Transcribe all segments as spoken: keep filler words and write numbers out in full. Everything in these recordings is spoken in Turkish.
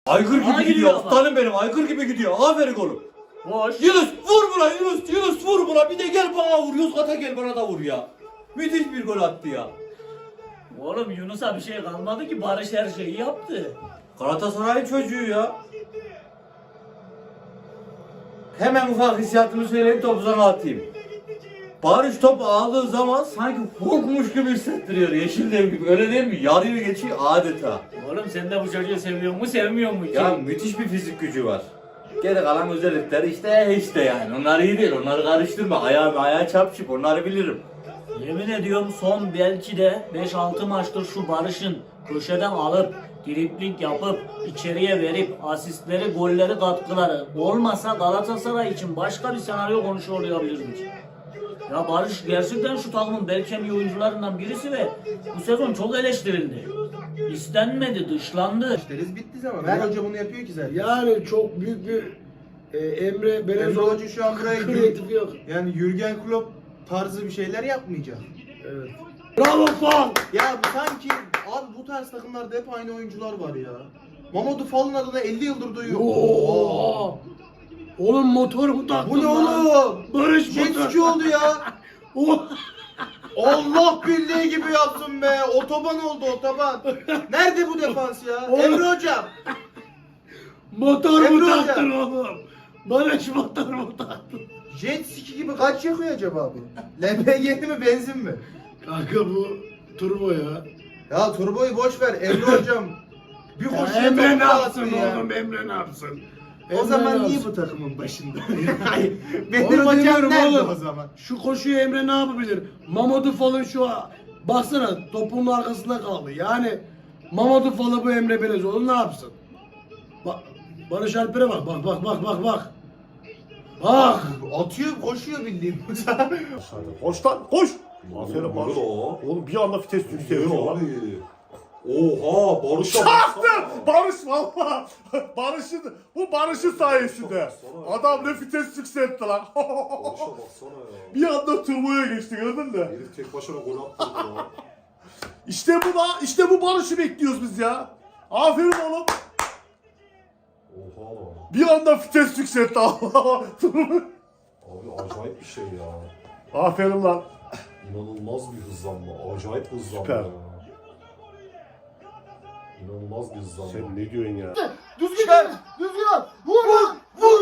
Aygır gibi Bana gidiyor. gidiyor ama. Aslanım benim. Aygır gibi gidiyor. Aferin oğlum. Boş. Yunus vur buna Yunus. Yunus vur buna. Bir de gel bana vur. Yozgat'a gel bana da vur ya. Müthiş bir gol attı ya. Oğlum Yunus'a bir şey kalmadı ki, Barış her şeyi yaptı. Galatasaray'ın çocuğu ya. Hemen ufak hissiyatımı söyleyip topu sana atayım. Barış top aldığı zaman sanki korkmuş gibi hissettiriyor. Yeşil dev gibi. Öyle değil mi? Yarıyor geçiyor adeta. Oğlum sen de bu çocuğu seviyor mu sevmiyor mu ki? Ya müthiş bir fizik gücü var. Geri kalan özellikleri işte işte yani. Onlar iyi değil. Onları karıştırma. Ayağı ayağa çarpışıp onları bilirim. Yemin ediyorum son belki de beş altı maçtır şu Barış'ın köşeden alıp dribling yapıp içeriye verip asistleri, golleri, katkıları olmasa Galatasaray için başka bir senaryo konuşuyor olabilirdik. Ya Barış gerçekten şu takımın belki en iyi oyuncularından birisi ve bu sezon çok eleştirildi. İstenmedi, dışlandı. İşleriz bitti zaman. Her hoca bunu yapıyor ki zaten. Yani çok büyük bir e, Emre Emre Belezoğlu Hoca şu an buraya kreatif yok. Yani Jürgen Klopp tarzı bir şeyler yapmayacak. Evet. Bravo Fall! Ya bu sanki abi bu tarz takımlarda hep aynı oyuncular var ya. Mamadou Fall'ın adını elli yıldır duyuyor. Oo! Oğlum motor mu taktın Bu ne lan? oğlum? Barış Jet motor. ski oldu ya. Oh! Allah bildiği gibi yaptın be. Otoban oldu otoban. Nerede bu defans ya? Oğlum. Emre hocam. Motor mu Emre Hoca. taktın oğlum? Barış motor mu taktın? Jet ski gibi kaç yakıyor acaba bu? L P G mi benzin mi? Kanka bu turbo ya. Ya turboyu boş ver Emre hocam. Bir Ya koşuya Emre topu ne yapsın dağıttı ya. oğlum? Emre ne yapsın? O Emre zaman ne niye yapsın? bu takımın başında? Benim Onu hocam demiyorum nerede oğlum. o zaman? Şu koşuyu Emre ne yapabilir? Mamadou Fall'ın şu baksana topun arkasında kaldı. Yani Mamadou Fall'ı bu Emre Belezoğlu ne yapsın? Bak Barış Alper'e bak bak bak bak bak bak. Bak. Atıyor, koşuyor bildiğin. Koş lan koş. Aferin Oğlum, Barış. oğlum. Oğlum bir anda vites yükseliyor lan. Oha Barış'a Çaktı! baksana. Barış valla. Barış'ın, bu Barış'ın sayesinde. Baksana. Adam ne vites yükseltti lan. Barış'a baksana ya. Bir anda turboya geçti gördün mü? Herif tek başına gol attı ya. İşte bu da, işte bu Barış'ı bekliyoruz biz ya. Aferin oğlum. Oha. Bir anda vites yükseltti. Abi acayip bir şey ya. Aferin lan. İnanılmaz bir hızlanma. Acayip hızlanma Süper. ya. İnanılmaz bir hızlanma. Sen ne diyorsun ya? Düzgün at! Düzgün at! Vur lan! Vur!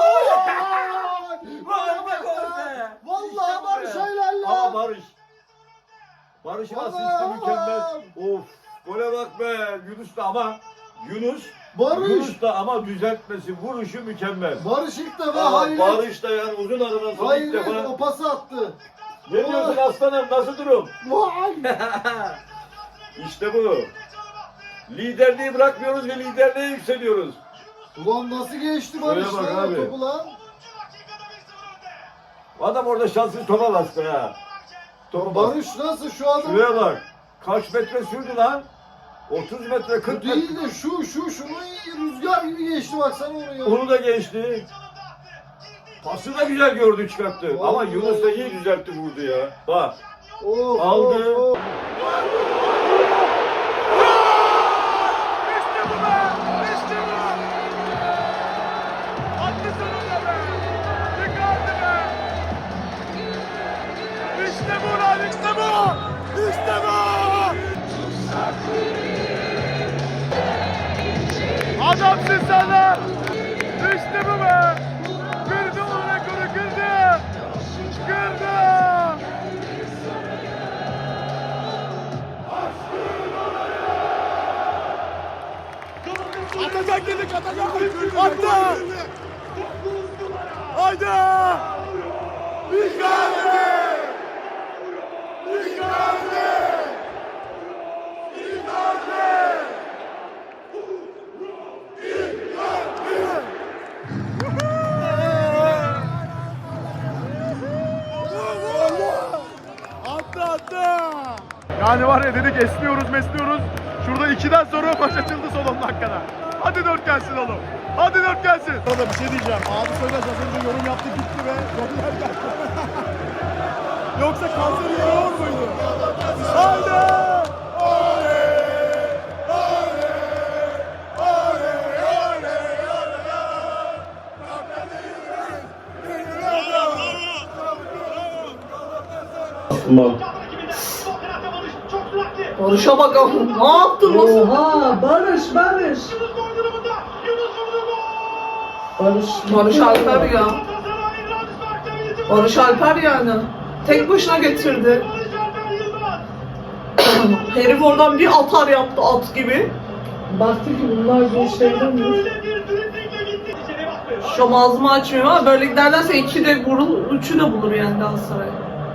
Vallahi Barış helal ya! Ama Barış. Barış'ın asisti mükemmel. Of. Gole bak be. Yunus da ama Yunus Barış. Yunus da ama düzeltmesi, vuruşu mükemmel. Barış ilk defa Ama hayret. Barış da yani uzun aradan sonra ilk Hayret defa. o pası attı. Ne diyorsun aslanım? Nasıl durum? Vay. İşte bu. Liderliği bırakmıyoruz ve liderliğe yükseliyoruz. Ulan nasıl geçti Barış Barış lan o lan topu topu lan? Adam orada şanssız topa bastı ha. Topa bastı. Barış nasıl şu adam? Şuraya bak. Kaç metre sürdü lan? otuz metre, Bu kırk metre. değil de şu şu şunu rüzgar gibi geçti baksana onu ya. Onu da geçti. Pası da güzel gördü çıkarttı. Vallahi. Ama Yunus da iyi düzeltti vurdu ya. Bak. Of, Aldı. of, of. Adamsın sen lan! İşte bu be! Kırdı o rekoru kırdı! Kırdı! Atacak dedik atacak! Attı! Haydi! Icardi! Icardi! Icardi! Attı attı. Yani var ya dedik esniyoruz mesliyoruz. Şurada ikiden sonra maç açıldı son on dakikada. Hadi dört gelsin oğlum. Hadi dört gelsin. Orada bir şey diyeceğim. Abi söyle az önce yorum yaptı gitti ve goller geldi. Yoksa kanseri yiyor muydu? Haydi! Oley! Oley! Oley! Mal. Barış'a bak ama ne yaptın nasıl? Oha Barış Barış. Barış. Barış Alper ya. Barış Alper yani. Tek başına getirdi. Herif oradan bir atar yaptı at gibi. Baktı ki bunlar bu işlerden mi? Şu an ağzımı açmıyorum ama böyle giderlerse iki de vurur, üçü de bulur yani Galatasaray.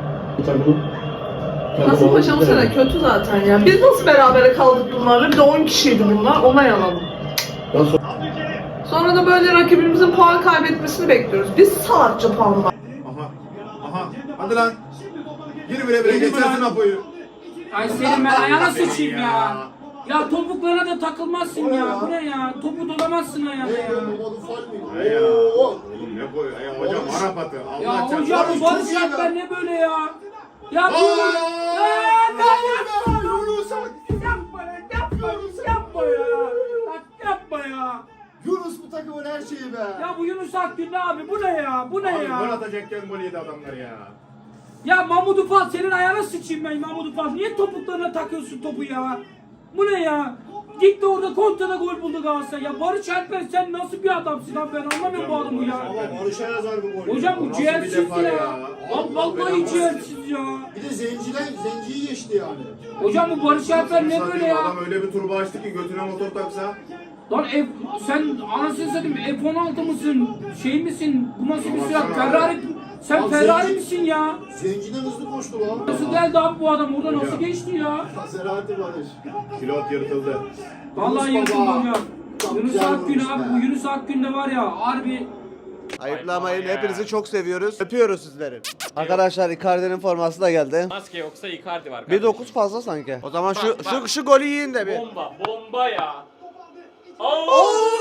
Kasımpaşa bu sene kötü zaten ya. Biz nasıl berabere kaldık bunlarla? Bir de on kişiydi bunlar. Ona yalan. Sonra da böyle rakibimizin puan kaybetmesini bekliyoruz. Biz salakça puan var. Aha. Aha. Hadi lan. Gir bire bire geçersin Apo'yu. Ay senin ben ayağına sıçayım ya. Ya topuklarına da takılmazsın ya. Bu ne ya? Topu dolamazsın ayağına ya. Hey ya. Oğlum ne koy? Ay hocam Arap atı. Ya Allah çarpsın. hocam bu Barış Alper ne böyle ya? Ya bu ya yapma yapma ya yapma yapma ya. Bak yapma ya. Yunus bu takımın her şeyi be. Ya bu Yunus Akgün ne abi? Bu ne ya? Bu ne Abi gol ya? atacakken gol yedi adamlar ya. Ya Mahmut Ufal senin ayağına sıçayım ben Mahmut Ufal. Niye topuklarına takıyorsun topu ya? Bu ne ya? Gitti orada kontrada gol buldu Galatasaray. Ya Barış Alper sen nasıl bir adamsın lan ben anlamıyorum bu adamı ya. Ama Barış'a yazar bu gol. Hocam bu Nasıl bir ciğersiz defa ya. Allah Lan vallahi belanı ciğersiz ya. Bir de zenciden zenciyi geçti yani. Hocam bu Barış Alper ne böyle ya? Adam öyle bir turba açtı ki götüne motor taksa. Lan F, sen anasını satayım F on altı mısın? Şey misin? Bu nasıl bir Ama silah? sen Ferrari sen Abi Ferrari zenci- misin ya? Zenciden hızlı koştu lan. Nasıl geldi abi bu adam orada nasıl Hocam. geçti ya? Selahattin Barış. Pilot yırtıldı. Vallahi Yunus yırtıldı baba. hocam. Çok Yunus güzel Akgün vurmuş abi be. bu Yunus Akgün de var ya harbi. Ayıplamayın. Hepinizi çok seviyoruz. Öpüyoruz sizleri. Arkadaşlar Icardi'nin forması da geldi. Maske yoksa Icardi var. bir dokuz fazla sanki. O zaman şu Bak, şu bak. şu golü yiyin de bir. Bomba, bomba ya. Oo!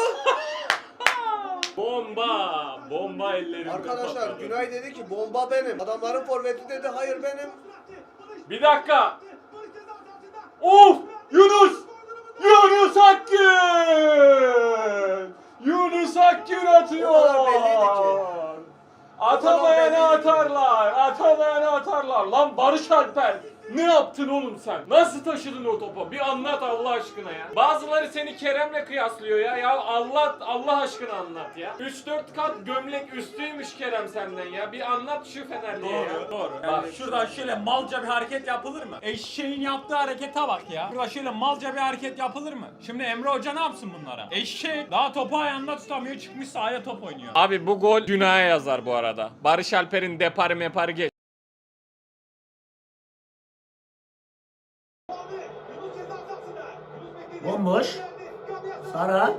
Bomba, bomba ellerimde Arkadaşlar patladı. Günay dedi ki bomba benim. Adamların forveti dedi hayır benim. Bir dakika. Of! Yunus! Yunus Akgün! Yunus Akgün atıyor. O kadar belliydi ki. Atamayanı belliydi ki. atarlar. Atamayanı atarlar. Lan Barış Alper. Ne yaptın oğlum sen? Nasıl taşıdın o topu? Bir anlat Allah aşkına ya. Bazıları seni Kerem'le kıyaslıyor ya. Ya Allah Allah aşkına anlat ya. üç dört kat gömlek üstüymüş Kerem senden ya. Bir anlat şu Fenerli'ye ya. Doğru. Bak şuradan şöyle malca bir hareket yapılır mı? Eşeğin yaptığı harekete bak ya. Şurada şöyle malca bir hareket yapılır mı? Şimdi Emre Hoca ne yapsın bunlara? Eşek daha topu ayağında tutamıyor, çıkmış sahaya top oynuyor. Abi bu gol günaha yazar bu arada. Barış Alper'in deparı meparı geç. Bomboş. Sara.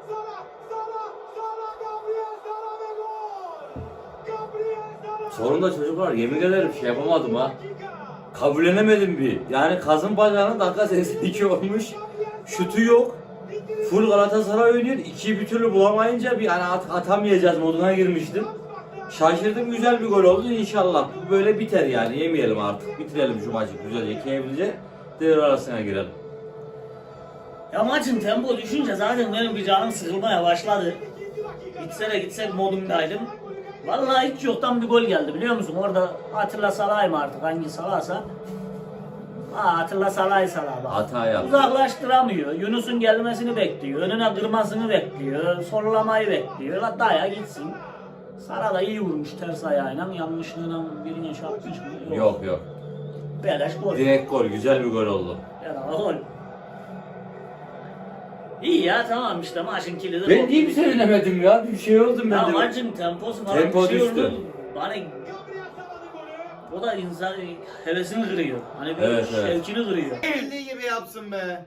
Sonunda çocuklar yemin ederim şey yapamadım ha. Kabullenemedim bir. Yani Kazım Bacağı'nın dakika seksen iki olmuş. Şutu yok. Full Galatasaray oynuyor. İkiyi bir türlü bulamayınca bir hani at atamayacağız moduna girmiştim. Şaşırdım, güzel bir gol oldu. İnşallah bu böyle biter yani. Yemeyelim artık. Bitirelim şu maçı güzelce, keyiflice. Devre arasına girelim. Ya maçın tempo düşünce zaten benim bir canım sıkılmaya başladı. Gitse de gitsek modumdaydım. Vallahi hiç yoktan bir gol geldi biliyor musun? Orada Atilla Salay mı artık hangi Salahsa. Ha Atilla Salay Salah bak. Hata yaptı. Uzaklaştıramıyor. Yunus'un gelmesini bekliyor. Önüne kırmasını bekliyor. Sollamayı bekliyor. La daya gitsin. Sara da iyi vurmuş ters ayağıyla. Yanlışlığına birine çarpmış mı? Yok yok. Beleş gol. Direkt gol, güzel bir gol oldu. Ya gol. İyi ya tamam işte maçın kilidi. Ben niye bir sevinemedim ya? Bir şey oldu Ya ben de. maçın temposu falan Tempo bir şey düştü. oldu. Hani o da insan hevesini kırıyor. Hani bir Evet, evet. şevkini kırıyor. Bildiği gibi yapsın be.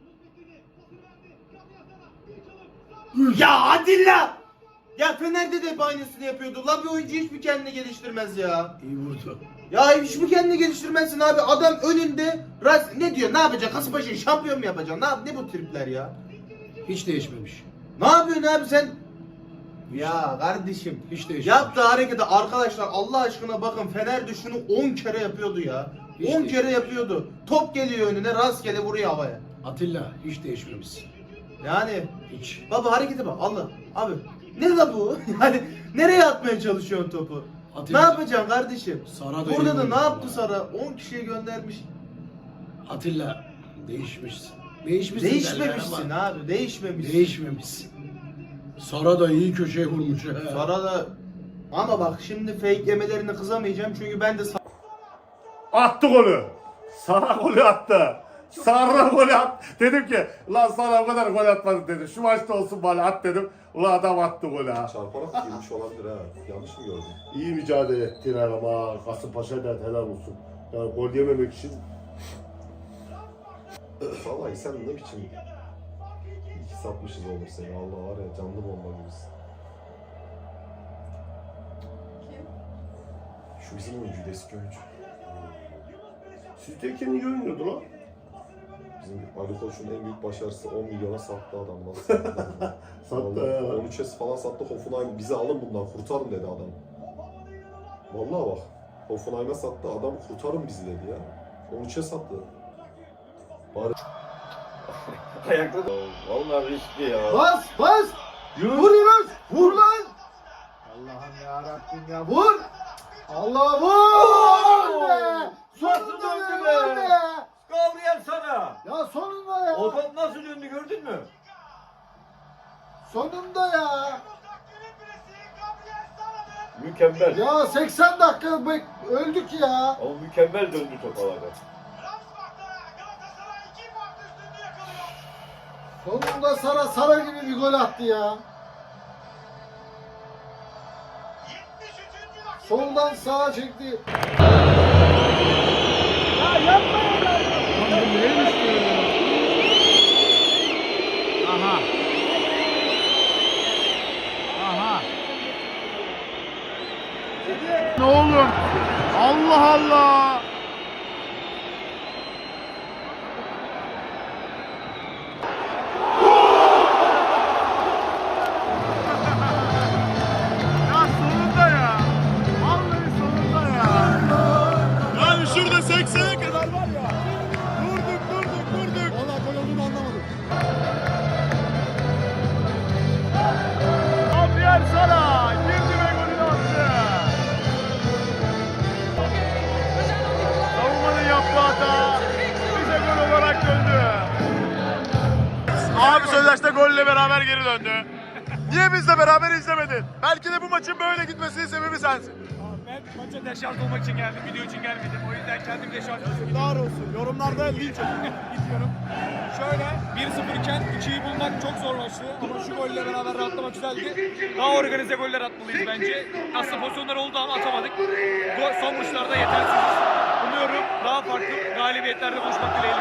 Ya hadi la! Ya Fener'de de hep aynısını yapıyordu. La bir oyuncu hiç mi kendini geliştirmez ya? İyi vurdu. Ya hiç mi kendini geliştirmezsin abi? Adam önünde ras ne diyor? Ne yapacak? Kasımpaşa'yı şampiyon mu yapacaksın? Ne yap? Ne bu tripler ya? Hiç değişmemiş. Ne yapıyorsun abi sen? Ya kardeşim. Hiç değişmemiş. Yaptığı harekete arkadaşlar Allah aşkına bakın Fener'de şunu on kere yapıyordu ya. Hiç on değil. kere yapıyordu. Top geliyor önüne rastgele vuruyor havaya. Atilla hiç değişmemişsin. Yani Hiç. baba harekete bak Allah abi ne la bu? Yani nereye atmaya çalışıyorsun topu? Atilla. Ne yapacaksın kardeşim? Sara da Burada iyi da ne oyuncu yaptı ya. Sara? on kişiye göndermiş. Atilla değişmişsin. Değişmişsin. Değişmemişsin derler ama abi. Değişmemişsin. Değişmemişsin. Sara da iyi köşeye vurmuş. he. Sara da ama bak şimdi fake yemelerine kızamayacağım çünkü ben de Attı golü. Sara golü attı. Sara golü attı. Dedim ki lan Sara o kadar gol atmadı dedim. Şu maçta olsun bari at dedim. Ulan adam attı golü ha. Çarparak girmiş olabilir ha. Yanlış mı gördün? İyi mücadele ettiler ama Kasımpaşa'dan helal olsun. Yani gol yememek için Vallahi sen ne biçim iki satmışız olur seni. Allah var ya canlı bomba gibisin. Şu bizim oyuncuydu, eski oyuncu. Sizteyken iyi oynuyordu lan. Bizim Ali Koç'un en büyük başarısı on milyona sattı adam. Nasıl sattı? Sattı ya. on üçe falan sattı. Hoffenheim bizi alın bundan kurtarın dedi adam. Vallahi bak. Hoffenheim'e sattı adam, kurtarın bizi dedi ya. on üçe sattı. Bari... Ayakta da. Vallahi riskli ya. Bas bas! Yunus. Vur Yunus! Vur lan! Allah'ım yarabbim ya vur! Allah vur! Be! Sonunda döndü be! be! be! Kavrayan sana. Ya sonunda ya! O top nasıl döndü gördün mü? Sonunda ya! Mükemmel. Ya seksen dakika bek öldük ya! Ama mükemmel döndü top havada. Sonunda Sara Sara gibi bir gol attı ya! Soldan sağa çekti. Aha. Aha. Ne oğlum? Allah Allah. Ya sonunda ya. Vallahi sonunda ya. Yani şurada seksene kadar var ya. Durduk durduk durduk. Valla gol olduğunu anlamadım. Gabriel Sara girdi ve golünü attı. Savunmanın yaptığı hata bize gol olarak döndü. Abi Sözdaş'ta golle beraber geri döndü. Niye bizle beraber izlemedin? Belki de bu maçın böyle gitmesinin sebebi sensin. Ben maça deşarj olmak için geldim, video için gelmedim. O yüzden kendim deşarj Yazıklar olsun. Yorumlarda linç edin. gidiyorum. Şöyle bir sıfır iken ikiyi bulmak çok zorlaştı ama şu golle beraber rahatlamak güzeldi. Daha organize goller atmalıyız bence. Aslında pozisyonlar oldu ama atamadık. Gol, son vuruşlarda yetersiziz. Umuyorum daha farklı galibiyetlerde buluşmak dileğiyle.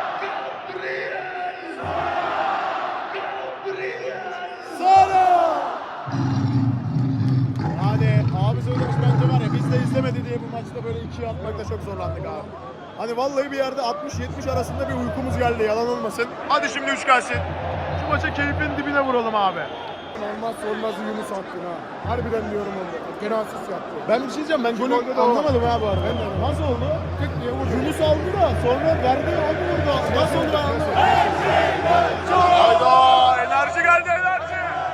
Yani abi söylemiş bence var ya biz de izlemedi diye bu maçta böyle ikiye atmakta çok zorlandık abi. Hani vallahi bir yerde altmış yetmiş arasında bir uykumuz geldi yalan olmasın. Hadi şimdi üç gelsin. Şu maça keyfin dibine vuralım abi. Olmazsa olmazı Yunus attı ha. Harbiden diyorum onu. Gene asist yaptı. Ben bir şey diyeceğim, ben golü anlamadım ha bu arada. Ben de nasıl oldu? Tık diye vurdu. Yunus aldı da sonra verdi aldı vurdu. Nasıl oldu anlamadım. Hayda enerji geldi enerji.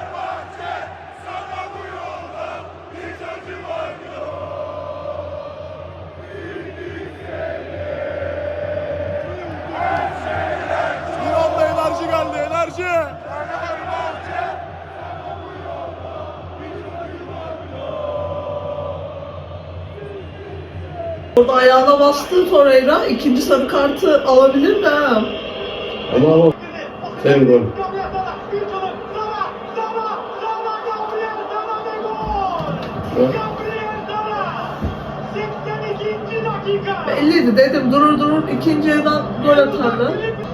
Bir anda enerji geldi enerji. Orada ayağına bastı Torreira. İkinci sarı kartı alabilir de ha. Ama ama sen gol. Belliydi dedim durur durur ikinci yarıdan gol atardı.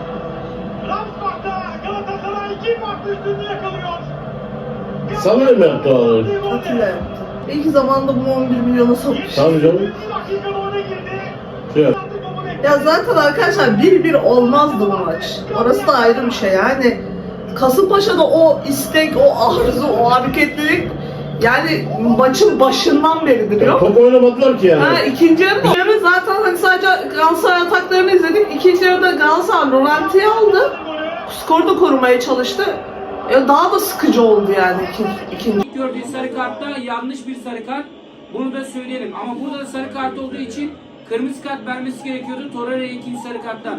Sana mı yaptı abi? Atilla yaptı. İlk zamanda bunu on bir milyona satmış. Tabii canım. Şey yap. Ya zaten arkadaşlar bir bir olmazdı bu maç. Orası da ayrı bir şey yani. Kasımpaşa'da o istek, o arzu, o hareketlilik yani maçın başından beridir yok. Top oynamadılar ki yani. Ha, ikinci yarı, yarı zaten hani sadece Galatasaray ataklarını izledik. İkinci yarıda Galatasaray Rolanti'yi aldı. Skoru da korumaya çalıştı. Ya daha da sıkıcı oldu yani ikinci. ikinci. İlk gördüğü sarı kartta yanlış bir sarı kart. Bunu da söyleyelim. Ama burada da sarı kart olduğu için kırmızı kart vermesi gerekiyordu Torreira'ya ikinci sarı karttan.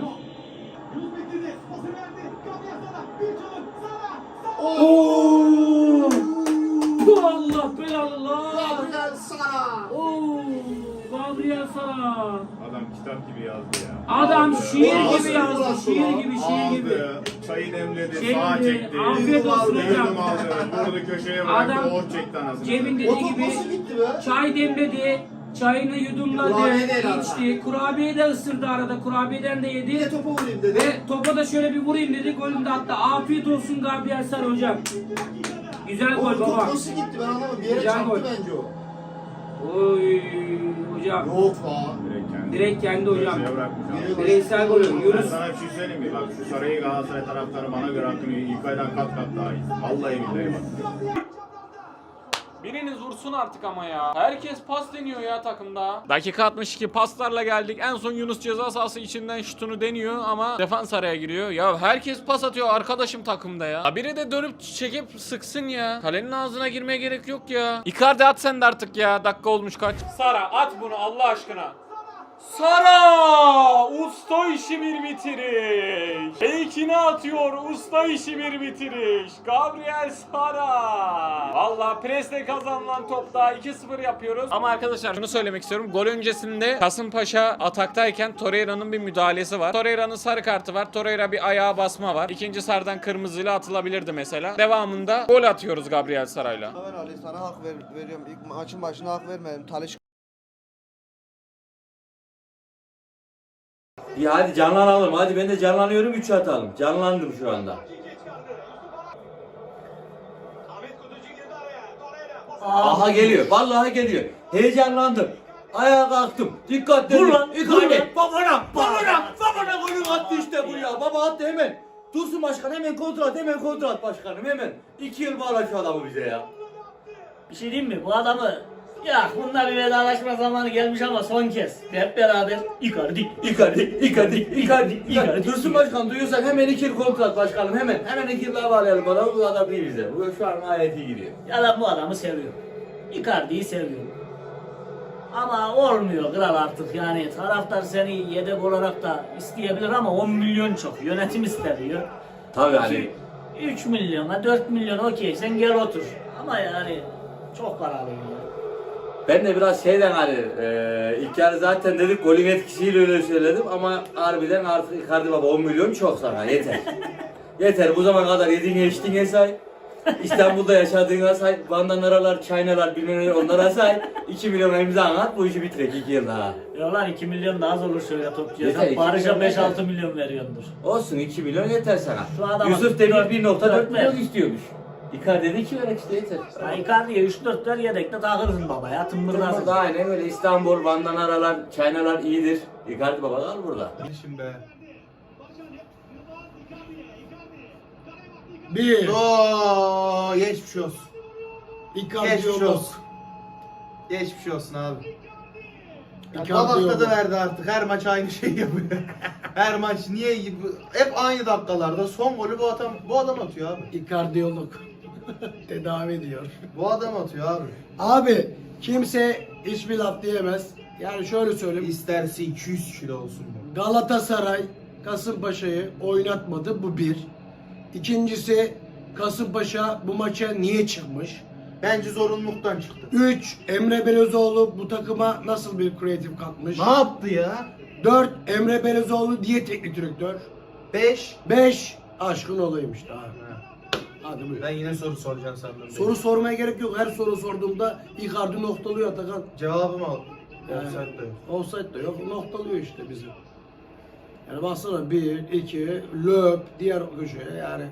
Oo! Bu Allah belallah. Gabriel Sara. Oo! Gabriel Sara. Adam kitap gibi yazdı ya. Adam Aldı, şiir aldı, gibi yazdı. aldı, Şiir gibi, şiir gibi. aldı, çayı demledi, Şey sağa gibi, çekti. afiyet olsun Yudum hocam. aldı, vurdu köşeye bıraktı, Adam ot çekti anasını. Cem'in O dediği top gibi nasıl gitti be? çay demledi. Çayını yudumladı, Kurabiye de yedi içti. Kurabiye de ısırdı arada. Kurabiyeden de Bir de yedi. topa vurayım dedi. Ve topa da şöyle bir vurayım dedi. Golünü de attı. Afiyet olsun Gabriel Sara hocam. Güzel O gol top baba. nasıl gitti ben anlamadım. Bir yere Güzel çarptı gol. bence o. Oy hocam. Yok la. Direkt kendi. Direkt kendi hocam. Köşeye bırakmış abi. Bireysel golü. Ben Yunus. sana bir şey söyleyeyim mi? Bak şu Sarayı Galatasaray taraftarı bana göre hakkını İlkay'dan kat kat daha iyi. Vallahi billahi bak. Biriniz vursun artık ama ya. Herkes pas deniyor ya takımda. Dakika altmış iki paslarla geldik. En son Yunus ceza sahası içinden şutunu deniyor ama defans araya giriyor. Ya herkes pas atıyor arkadaşım takımda ya. Ya biri de dönüp çekip sıksın ya. Kalenin ağzına girmeye gerek yok ya. Icardi at sen de artık ya. Dakika olmuş kaç. Sara at bunu Allah aşkına. Sara! Usta işi bir bitiriş. Fake'ini atıyor. Usta işi bir bitiriş. Gabriel Sara. Valla presle kazanılan topta iki sıfır yapıyoruz. Ama arkadaşlar şunu söylemek istiyorum. Gol öncesinde Kasımpaşa ataktayken Torreira'nın bir müdahalesi var. Torreira'nın sarı kartı var. Torreira bir ayağa basma var. İkinci sarıdan kırmızıyla atılabilirdi mesela. Devamında gol atıyoruz Gabriel Sara'yla. Ben Ali sana hak ver, veriyorum. İlk maçın başına hak vermedim. Taliş Ya hadi canlanalım. Hadi ben de canlanıyorum. üç atalım. Canlandım şu anda. Aha geliyor. Vallahi geliyor. Heyecanlandım. Ayağa kalktım. Dikkat edin. Vur lan, vur lan. Babana, babana, babana golü attı işte bu ya. Baba attı hemen. Dursun başkan hemen kontrat, hemen kontrat başkanım hemen. İki yıl bağla şu adamı bize ya. Bir şey diyeyim mi? Bu adamı ya bununla bir vedalaşma zamanı gelmiş ama son kez. Hep beraber Icardi, Icardi, Icardi, Icardi, Icardi. Icardi. Dursun başkan duyuyorsak hemen iki yıl kontrat başkanım hemen. Hemen iki yıl daha bağlayalım bana. Bu adam değil bize. Bu şu an gayet iyi gidiyor. Ya da bu adamı seviyorum. Icardi'yi seviyorum. Ama olmuyor kral artık yani taraftar seni yedek olarak da isteyebilir ama on milyon çok. Yönetim istemiyor. Tabii hani. üç milyona dört milyon okey sen gel otur. Ama yani çok paralı ya. Ben de biraz şeyden hani e, ilk yarı zaten dedik golün etkisiyle öyle söyledim ama harbiden artık Icardi baba on milyon çok sana yeter. Yeter bu zamana kadar yediğine içtiğine say. İstanbul'da yaşadığına say. Bandanalar, çaynalar bilmem ne onlara say. iki milyon imza at bu işi bitirek iki yıl daha. Ya lan iki milyon da az olur şöyle topçuya. Yeter, Sen iki Barış'a milyon beş yeter. altı milyon veriyordur. Olsun iki milyon yeter sana. Şu adama Yusuf Demir dört- bir nokta dört dört milyon ver. istiyormuş. Icardi'de iki verek işte yeter. Ya Icardi'ye üç dört ver yedekte takılırsın baba ya tımbırlarsın. Burada aynen öyle İstanbul, bandanalar, çaynalar iyidir. Icardi baba kal burada. Şimdi be. Bir. Oo, geçmiş olsun. Icardi Geçmiş yok. olsun. Geçmiş olsun abi. Ya Icardi Kabak yok. tadı verdi artık. Her maç aynı şeyi yapıyor. Her maç niye hep aynı dakikalarda son golü bu adam bu adam atıyor abi. Ikardiyolog. Tedavi ediyor. Bu adam atıyor abi. Abi kimse hiçbir laf diyemez. Yani şöyle söyleyeyim. İsterse iki yüz kilo olsun bu. Galatasaray Kasımpaşa'yı oynatmadı bu bir. İkincisi Kasımpaşa bu maça niye çıkmış? Bence zorunluluktan çıktı. üç. Emre Belözoğlu bu takıma nasıl bir kreatif katmış? Ne yaptı ya? dört. Emre Belözoğlu diye teknik direktör. beş. beş. Aşkın olaymış daha. Hadi buyur. Ben yine soru soracağım sandım. Soru sormaya gerek yok. Her soru sorduğumda Icardi noktalıyor Atakan. Cevabımı al. Yani, Offside de yok. offside de yok. Noktalıyor işte bizi. Yani baksana bir, iki, löp, diğer köşeye yani.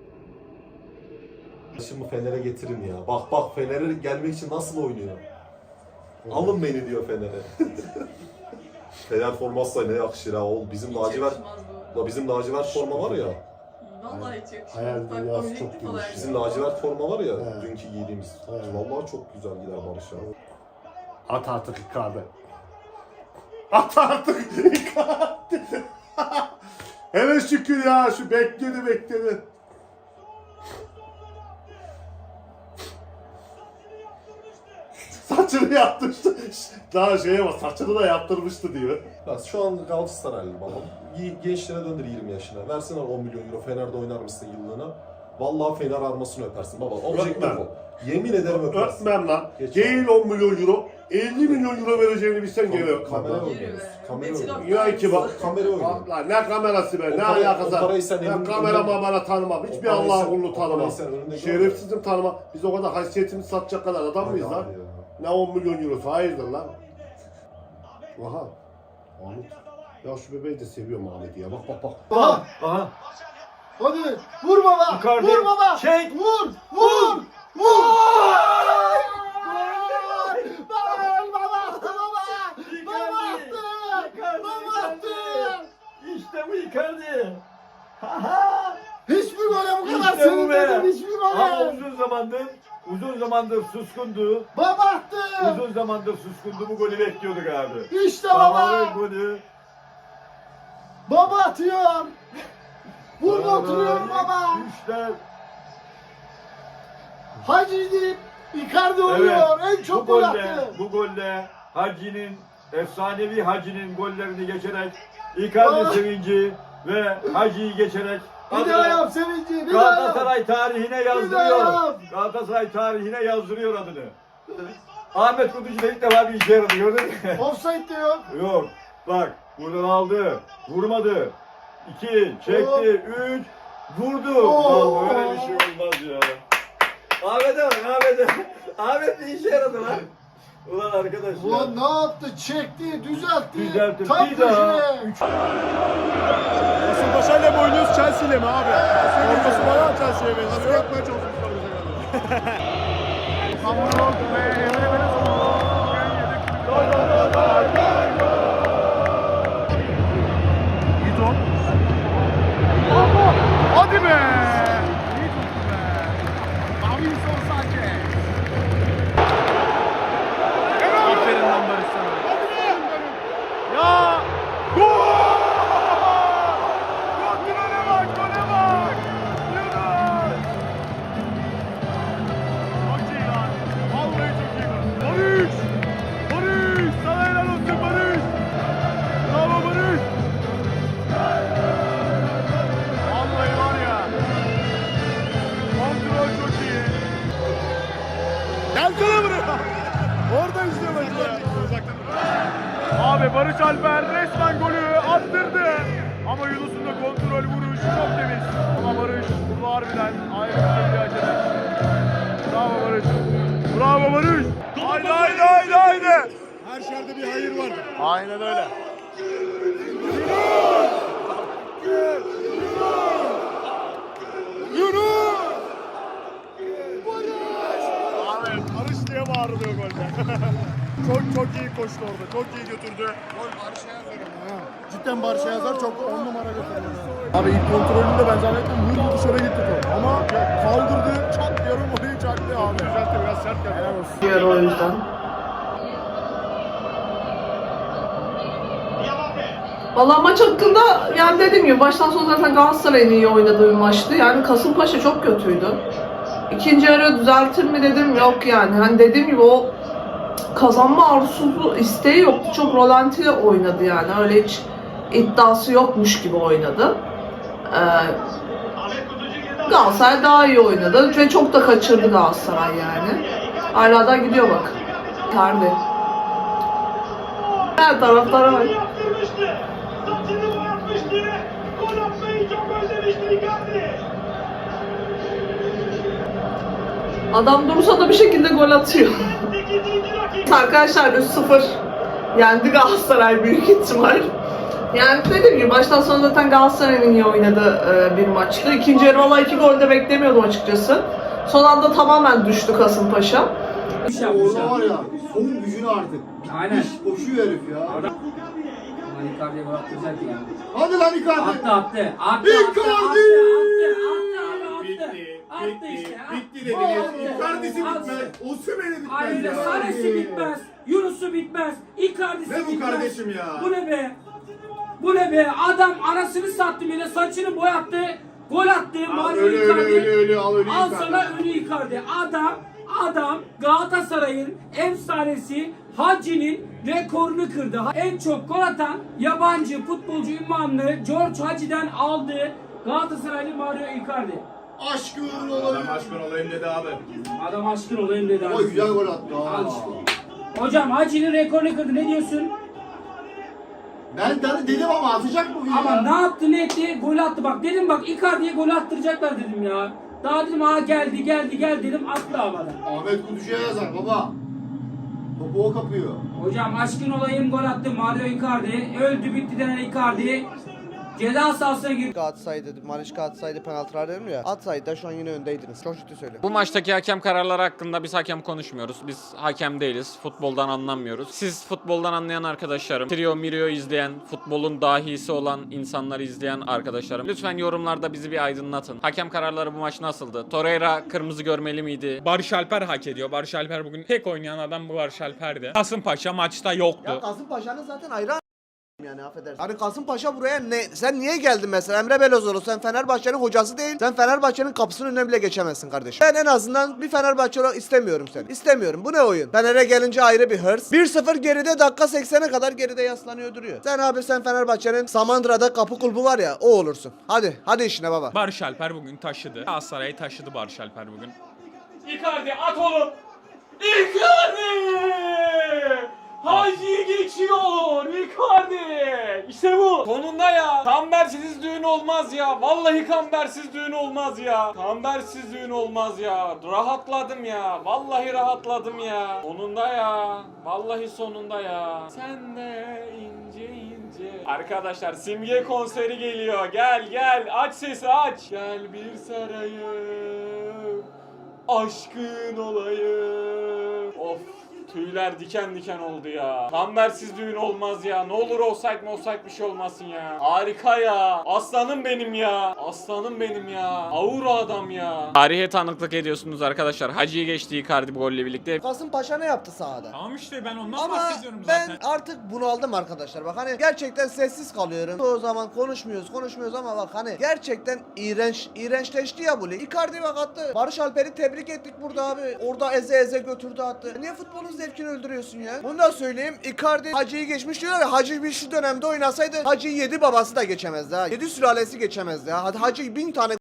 Şimdi Fener'e getirin ya. Bak bak Fener'e gelmek için nasıl oynuyor. Alın beni diyor Fener'e. Fener forması ne yakışır ha oğlum. Bizim lacivert, la bizim lacivert forma var ya. Vallahi hiç yakışmaz. Hayal Bak, dünyası komik çok falan. geniş. Bizim lacivert forma var ya dünkü giydiğimiz. Vallahi çok güzel gider Barış abi. At artık Icardi. At artık Icardi. Hele şükür ya şu bekledi bekledi. Saç saçını yaptırmıştı. Daha şeye bak saçını da yaptırmıştı diyor. Bak şu an Galatasaraylı babam. Gençlere döndür yirmi yaşına. Versene on milyon euro Fener'de oynar mısın yıllığına? Vallahi Fener armasını öpersin baba. Objektif Öpmem. ol. Yemin ederim öpersin. Öpmem lan. Geç Değil on milyon euro. elli milyon euro vereceğini bilsen gene öpmem. Kamera lan. oynuyoruz. Kamera oynuyoruz. Ya ki bak. Kamera oynuyoruz. Lan ne kamerası be, O ne parayı- alakası o parayı sen var? Ben elin- kameraman bana tanımam, hiçbir parayı Allah'ın sen- kulunu o tanımam. parayı sen önünde Şerefsizim tanımam. Biz o kadar haysiyetimizi satacak kadar adam mıyız Hadi lan? abi ya. Ne on milyon eurosu, hayırdır lan? Aha, Ahmet. Ya şu bebeği de seviyorum Ahmet'i ya, bak bak bak. Aha. Aha. Hadi vur baba. Icardi. Vur baba. Çek. Vur. Vur. Vur. İşte bu Icardi. Hiçbir gole bu kadar İşte bu be. sevinmedim. Hiçbir Ama gole. uzun zamandır, uzun zamandır suskundu. Baba attı. Uzun zamandır suskundu. Bu golü bekliyorduk abi. İşte Babanın baba. golü. Baba atıyor. Burada oturuyor baba. Üçler. Hacı deyip Icardi oluyor. En çok bu gol golle, attı. bu golle Hacı'nin, efsanevi Hacı'nin gollerini geçerek Icardi Ah. sevinci ve Hacı'yı geçerek Bir daha yap sevinci. Bir daha yap. Galatasaray tarihine Bir daha yazdırıyor. yap. Galatasaray tarihine yazdırıyor adını. Ahmet Kutucu da ilk defa bir işe yaradı, gördün mü? Offside de yok. Yok. Bak buradan aldı. Vurmadı. İki. Çekti. Üç. Vurdu. Oo. Lan böyle bir şey olmaz ya. Ahmet'e bak Ahmet'e. Ahmet bir işe yaradı lan. Ulan arkadaş ya. Ulan ne yaptı? Çekti, düzeltti. Düzeltti. Tam Bir daha. köşeye. Kasımpaşa ile mi oynuyoruz, Chelsea ile mi abi? Forması bayağı Chelsea'ye benziyor. Nasıl yapmaya çalışmışlar bize kadar? Hamburg ve Emre Belözoğlu. İyi top. Hadi be! İyi toptu be. Davinson Sanchez. Aferin lan Barış sana. Ya! Gol! Gole bak, gole bak! Yunus! Çok iyi lan. Vallahi çok iyi lan. Barış! Barış! Sana helal olsun Barış! Bravo Barış! Vallahi var ya. Kontrol çok iyi. Gelsene buraya. Orada izliyor bence. Abi Barış Alper resmen golü attırdı. Ama Yunus'un da kontrol vuruşu çok temiz. Ama Barış burada harbiden ayrı bir seviye açacak. Bravo Barış. Bravo Barış. Haydi haydi haydi haydi. Her şerde bir hayır var. Aynen öyle. Yunus! Abi Barış diye bağırılıyor golde. çok çok iyi koştu orada. Çok iyi götürdü. Gol Barış'a yazar ama ha. Cidden Barış'a yazar. Çok on numara götürdü. Abi ilk kontrolünde ben zannettim vurdu dışarı gitti top. Ama kaldırdı. Çat yarım orayı çaktı abi. Düzeltti biraz sert geldi. Helal olsun. Diğer o yüzden. Valla maç hakkında yani dediğim gibi baştan sona zaten Galatasaray'ın iyi oynadığı bir maçtı. Yani Kasımpaşa çok kötüydü. İkinci yarı düzeltir mi dedim, yok yani. Hani dediğim gibi o kazanma arzusu, isteği yoktu. Çok rolantili oynadı yani. Öyle hiç iddiası yokmuş gibi oynadı. Ee, Galatasaray daha iyi oynadı ve çok da kaçırdı Galatasaray yani. Hala da gidiyor bak. Icardi. Her taraftara bak. Adam durursa da bir şekilde gol atıyor. Arkadaşlar üç sıfır yendi Galatasaray büyük ihtimal. Yani dediğim gibi baştan sona zaten Galatasaray'ın iyi oynadığı e, bir maçtı. İkinci yarı valla iki gol de beklemiyordum açıkçası. Son anda tamamen düştü Kasımpaşa. Orada var ya son gücünü artık. Aynen. Koşuyor herif ya. Lan Icardi'ye gol attıracak ya. Hadi lan Icardi. Attı attı. Attı Icardi! attı attı attı attı. Bitti. Attı Bitti. işte. Bitti dediniz. Icardi'si Attı. bitmez. Osimhen'i bitmez Aynen ya. Saresi bitmez. Yunus'u bitmez. Icardi'si Ne bu bitmez. kardeşim ya? Bu ne be? Bu ne be? Adam anasını sattı bile, saçını boyattı. Gol attı. Al Mario öyle öyle Icardi. öyle öyle al öyle Al Icardi. sana önü Icardi. Adam Adam Galatasaray'ın efsanesi Hacı'nin rekorunu kırdı. En çok gol atan yabancı futbolcu ünvanını George Hacı'den aldı. Galatasaraylı Mario Icardi. Aşkın olayım. Aşkın olayım dedi abi. Adam aşkın olayım dedi abi. O güzel gol attı. Al işte. Hocam Hacı'nın rekorunu kırdı. Ne diyorsun? Ben de dedim ama atacak bugün Ama ya. ne yaptı ne etti? Gol attı. Bak dedim bak Icardi'ye gol attıracaklar dedim ya. Daha dedim ha geldi geldi geldi dedim attı havada. Ahmet Kutucu'ya yazar baba. Topu o kapıyor. Hocam aşkın olayım gol attı Mario Icardi. Öldü bitti denen Icardi. Ceza sahasına girdi. Atsaydı, Mariska atsaydı penaltılar dedim ya. Atsaydı da şu an yine öndeydiniz. Çok ciddi söylüyorum. Bu maçtaki hakem kararları hakkında biz hakem konuşmuyoruz. Biz hakem değiliz. Futboldan anlamıyoruz. Siz futboldan anlayan arkadaşlarım, Trio Mirio izleyen, futbolun dahisi olan insanları izleyen arkadaşlarım, lütfen yorumlarda bizi bir aydınlatın. Hakem kararları bu maç nasıldı? Torreira kırmızı görmeli miydi? Barış Alper hak ediyor. Barış Alper bugün tek oynayan adam bu Barış Alper'di. Kasımpaşa maçta yoktu. Ya Kasımpaşa'nın zaten ayrı yani affedersin. Hani Kasımpaşa buraya ne? Sen niye geldin mesela Emre Belözoğlu? Sen Fenerbahçe'nin hocası değil. Sen Fenerbahçe'nin kapısının önüne bile geçemezsin kardeşim. Ben en azından bir Fenerbahçe olarak istemiyorum seni. İstemiyorum. Bu ne oyun? Fener'e gelince ayrı bir hırs. bir sıfır geride dakika seksene kadar geride yaslanıyor duruyor. Sen abi sen Fenerbahçe'nin Samandıra'da kapı kulbu var ya o olursun. Hadi. Hadi işine baba. Barış Alper bugün taşıdı. Galatasaray'ı taşıdı Barış Alper bugün. Icardi at oğlum. Icardi! Hacı geçiyor Icardi. İşte bu. Sonunda ya. Kambersiz düğün olmaz ya. Vallahi kambersiz düğün olmaz ya. Kambersiz düğün olmaz ya. Rahatladım ya. Vallahi rahatladım ya. Sonunda ya. Vallahi sonunda ya. Sen de ince ince. Arkadaşlar Simge konseri geliyor. Gel gel. Aç sesi aç. Gel bir sarayım. Aşkın olayım. Of. Tüyler diken diken oldu ya. Kambersiz düğün olmaz ya. Ne olur offside mi offside bir şey olmasın ya. Harika ya. Aslanım benim ya. Aslanım benim ya. Aura adam ya. Tarihe tanıklık ediyorsunuz arkadaşlar. Hacı'yı geçti Icardi bu golle birlikte. Kasımpaşa ne yaptı sahada? Tamam işte ben ondan Ama bahsediyorum ben zaten. artık bunaldım arkadaşlar. Bak hani gerçekten sessiz kalıyorum. O zaman konuşmuyoruz, konuşmuyoruz ama bak hani gerçekten iğrenç, iğrençleşti ya bu lig. Icardi bak attı. Barış Alper'i tebrik ettik burada abi. Orada eze eze götürdü attı. Niye futbolun zevkini öldürüyorsun ya? Bunu da söyleyeyim. Icardi Hacı'yı geçmiş diyorlar ya. Hacı bir şu dönemde oynasaydı Hacı'yı yedi babası da geçemezdi ha. Yedi sülalesi geçemezdi ha. Hadi Hacı bin tane